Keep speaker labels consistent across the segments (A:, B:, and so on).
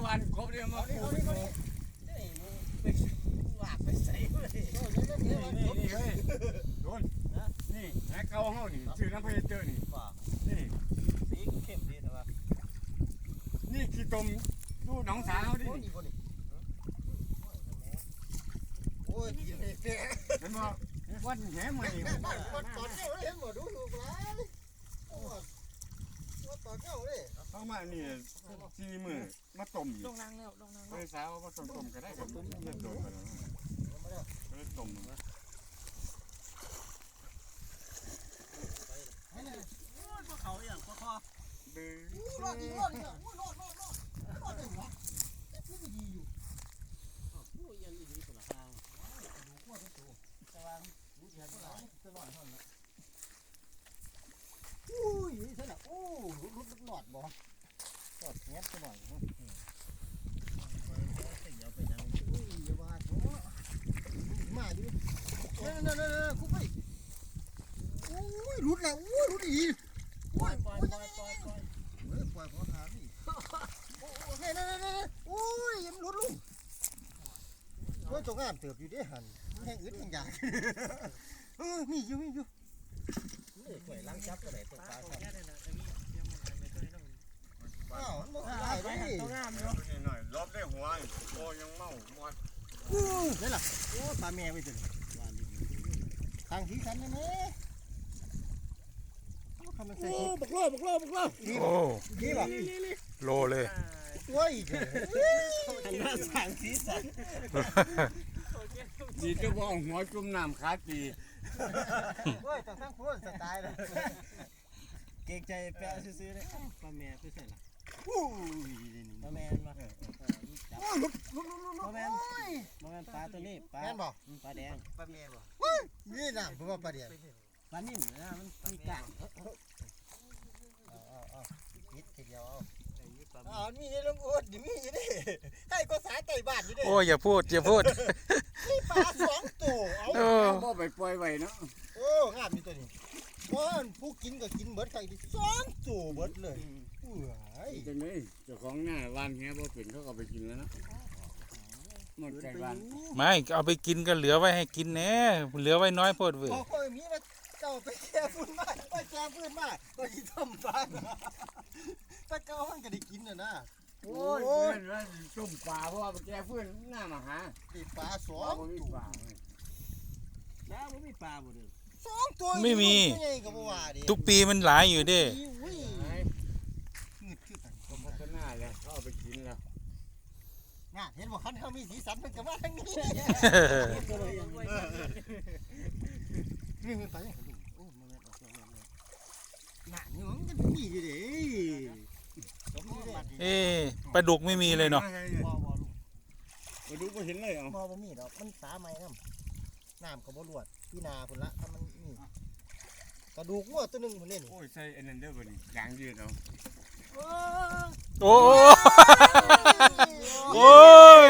A: วันครบเดียวมาปูไปโ
B: หลากไปใส่เลย
A: นี่เฮ้ยโดนนี่แหกเก่าเฮานี่ชื่อน้ำเพชรเจอนี่นี่
B: สีเข้มดีแต่ว่า
A: นี่ขี้ตมดูหนองสาวดิ
B: โอ้ยกินเป๊ะ
A: เห็นบ่วันแหใหม่
B: วันตอนเจ้าเห็นบ่ดูถูกหลายวันตอนเจ้าเลย
A: เข้ามานี่ซีมือมาต้ม
C: ลงนั่งแล้วลงนั่ง
A: ไปสาวมาต้มก็ได้กับเลือดโดนกันก็เลยต้มนะ
B: เขาอย่างคอ
A: ดื้อ
B: รอดอีกรอดอีกรอดได้หัวไม่ดีอยู่โอ้ยยันดีสุดละทางดูขั้วทั้งตัวแต่ว่าดูแทนก็หลายจะหน่อยเท่านั้นอุ้ยนี่เท่านั้นโอ้รุดหลอดบ่หลอดแงบจะหน่อยเนาะเดี๋ยวไปยังอุ้ยอย่าว่าโอ้มาอยู่นั่นคุกไปอุ้ยรุดแล้วอุ้ยรุดอีกปล่อยพอหาดิโอเคนั่นโอ้ยยังรุดลุงโอ้ยจงงามเติบอยู่ดิหันแห้งอึดแห้งยากมีอยู่นี่ข่อยล้างจับก็ได้ตัวปลาอ้าวมันได้ดิ
A: ตัวงามเนาะหน่อยรอบได้หัวโอ้ยังเมาหมด
B: นี่ล่ะโอ้ปลาแม่ไปถึงทางที่ฉันนี่แม่
C: โอ้บักโล
D: โอ้
B: นี่ป่ะ
D: โลเลย
B: โอ้ยหันหน้าสั่งสีสัน
A: จีจะบอกหัวจุ่มน้ำขาตี
B: โอ้ยต้องทั้งคนสไตล์เลยเก่งใจแปะซื้อเลยปลาแม่ไปใส่ละปลาแม่มาปลาแม่ปลาตัวนี้ปลาแดงปลาแม่บ่นี่นะผมว่าปลาแดงปลานิ่มนะมันมีกากนิดทีเดียวมีในลงอุดมีอยู่ดิให้ก็สาไก่บ้านอยู่ดิ
D: โอ้อย่าพูด
B: นี่ปลา2ตัว
A: เอาบ่ไปปล่อยไว้เนาะ
B: โอ้งามมีตัวนี้ว่าผู้กินก็กินเบิดไก่ดิ2ตัวเบิดเลย
A: จังได๋เจ้าของหน้าบ้านแฮบ่เป็นเขาก็ไปกินแล้วเนาะหมดไก่บ้าน
D: ไม่เอาไปกินก็เหลือไว้ให้กินแน่เหลือไว้น้อยโพดเว้ย
B: ค่อยมีมาเจ้าไปแช่ฟื้นมาไปแช่ฟื้นมาก็สิต้มปลาถ้าเก่ามันก็ได้กินนะ
A: โอ้ยเพื่อนว่าต้มปลาเพราะว่าแกเพื่อนหน้ามาหา
B: ติดปลา2ตัว
C: แล้วไม่มีปลาบ่เด้อ
B: 2ตัว
D: ไม่มีทุกปีมันหลายอยู่ดิ
A: ก็พัฒนาแล้วเขาเอาไปกินแล้ว
B: น่ะเห็นบอกเขามีสีสันมันก็มาทางนี้นี่มันไปยังไงโอ้มันออกน่ะนี่มันก็มีอยู่ดิ
D: ปลาดุกไม่มีเลยเนาะ
A: ปลาดุกไม่เห็นเลยเหรอ
B: บ่มีดอกมันสาไม้น้ำก็บ่รวดพี่นาพุ่นละถ้ามันนี่กระดูกงัวตัวนึงพุ่นเล่น
A: โอ้ยใส่อันนั้นเด้อบ่นี่ยางยืดเอา
D: โอ้โอ้ย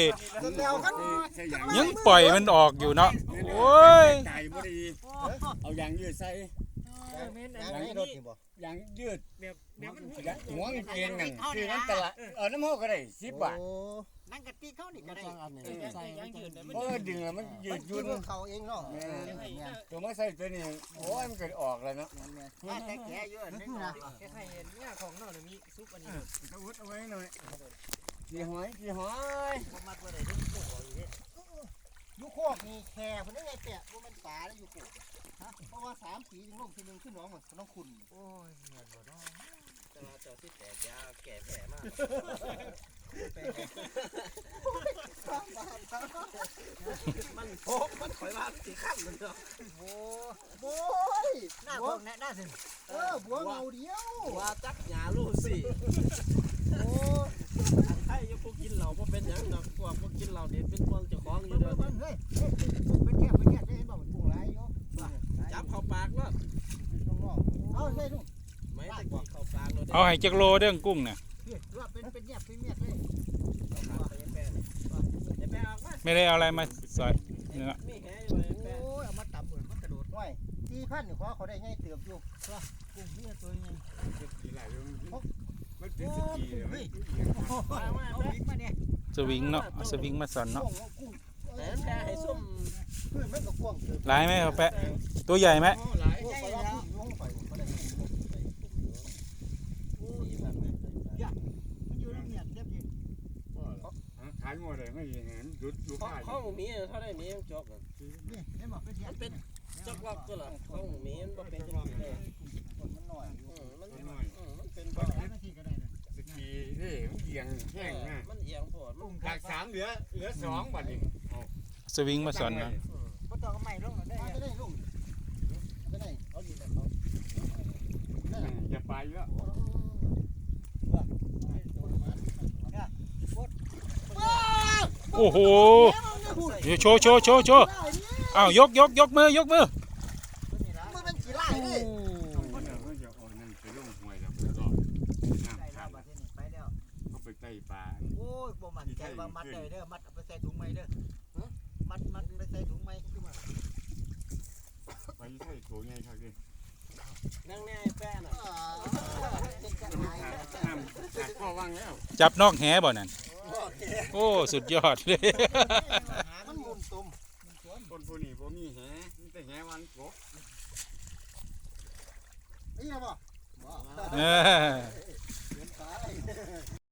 D: ยังปล่อยมันออกอยู่เนาะโอ้ย
A: ใจบ่ดีเอายางยืดใส่ยางยืดหัวมันเกณฑ์นั่นคือน้ำตลาดน้ำโฮก็ได้10 บาท
B: นั่งกะติเขานี่ก็ได้
C: ใส่ยางยืด
A: โอ้ดึงแล้วมันยืดยุ่น
B: เขาเองเนาะ
A: ตัวมาใส่ตัวนี้โอ้ยมันเกิดออกแล้วเนาะ
B: แต่แก่เยอะนี่นะ
C: แค่ให้เห็นเนี่ยของนอกมีซุปอันนี้
A: ต้องอุดเอาไว้หน่อยกี่หอย
B: มัดไว้ได้ทุกตัวอยู่ยูโคกมีแค่คนนี้ไงแกะว่ามันป่าแล้วยูโคกเพราะว่า3 ปีถึงลงทีนึงขึ้นน้องเหมือนน้องคุณ
C: โอ้ยเงินบ่น้อง
B: แต่ว่าเจ้าที่แตกยาแก่แผลมากมันข่อยมาสีข้ามเลยเนาะโอ้ยหน้าของหน้าสิบัวเงาเดียว
C: ว่าจักหยาลูกสิโอ้ให้ยกกินเหล้าบ่เป็นหยังดอกพวกบ่กินเหล้านี่เป็นพวกเจ้าของอยู่เด้อ
B: เฮ้ยเป็นแก่ได้เห็นบ่มันกุ้งหลายอยู่
C: จับเข้าปากแล้ว
B: เอาใช่ลูก
C: ไม่ตะกี้เข้าปากแล้ว
D: เอาให้จักโลเด้อกุ้งน่ะ
B: ว่าเป็นแยบเป็นเมียดเลย
D: ไม่ได้เอาอะไรมาสอยเนื้อ
B: โอ้ยเอามาตำเหมือนมันกระโดดห้อย4,000นี่เขาได้ง่ายเติบอยู่
C: กุ้งนี่ตัวยัง
A: มันคือสกีเลยเว้ย
C: มาแป๊ะ
B: มาเนี่ย
D: สวิงเนาะเอาสวิงมาสอนเนาะ
C: แต่แพ้ให้ส้ม
B: เพื่อนมันก็กว้างเกิน
D: หลายไหมครับแปะตัวใหญ่ไหม
A: โอ้หลาย
B: ใช่แล้วลงไปมันได้มันอยู่ในเมียนเรียบยิง
A: ขายหมดเลยไม่เห็นหยุดอยู่ขาย
C: ข้องมีเท่าได้มีจอก
B: นี่เห็นบอกเป็นเทีย
C: มันเป็นจอกล็อกตัวละข้องมีมันบ่เป็นจังซี่เลย
B: มันหน่อย
C: มันเป็น
B: ก็
C: บ่
B: ใช้นาทีก็ได้นะ
A: สกีนี่มันเอียงแห้งนะ
C: มันเอียงโพดมัน
A: จาก3เหลือ2บัดนี้
D: สวิงมาสอนเนาะ
B: ก็ต้องใหม่ลงได้จะได้ลงจะได้เอาดีแต่เขา
A: อย่าไปแล้ว
D: โอ้โหเดี๋ยวโชว์อ้าวยกมือยกมือ
B: มันเป็นกี่ไร่ดิ
A: มันจะเอานั่นไปลงห้วยแล้วก็น้ำขาดเขาไปใต้ปลา
B: โอ้ยบ่มันใจว่ามัดเลยเด้อมัดเอาไปใส่ถุงไหมเด้อมัดไปใส่ถุงไหม
A: ไปใส่ตัวใหญ่ครับดิ
C: นั่งแน่แป้น่ะ
A: น้ำขาดข้อว่างแล้ว
D: จับนอกแหบ่นั่นโอ้สุดยอดเลย
B: มันมุนตุ่ม
A: คนผู้นี้บ่มีแหมีแต่แหวันกบ
B: ไอ้ยังบ่
D: เออ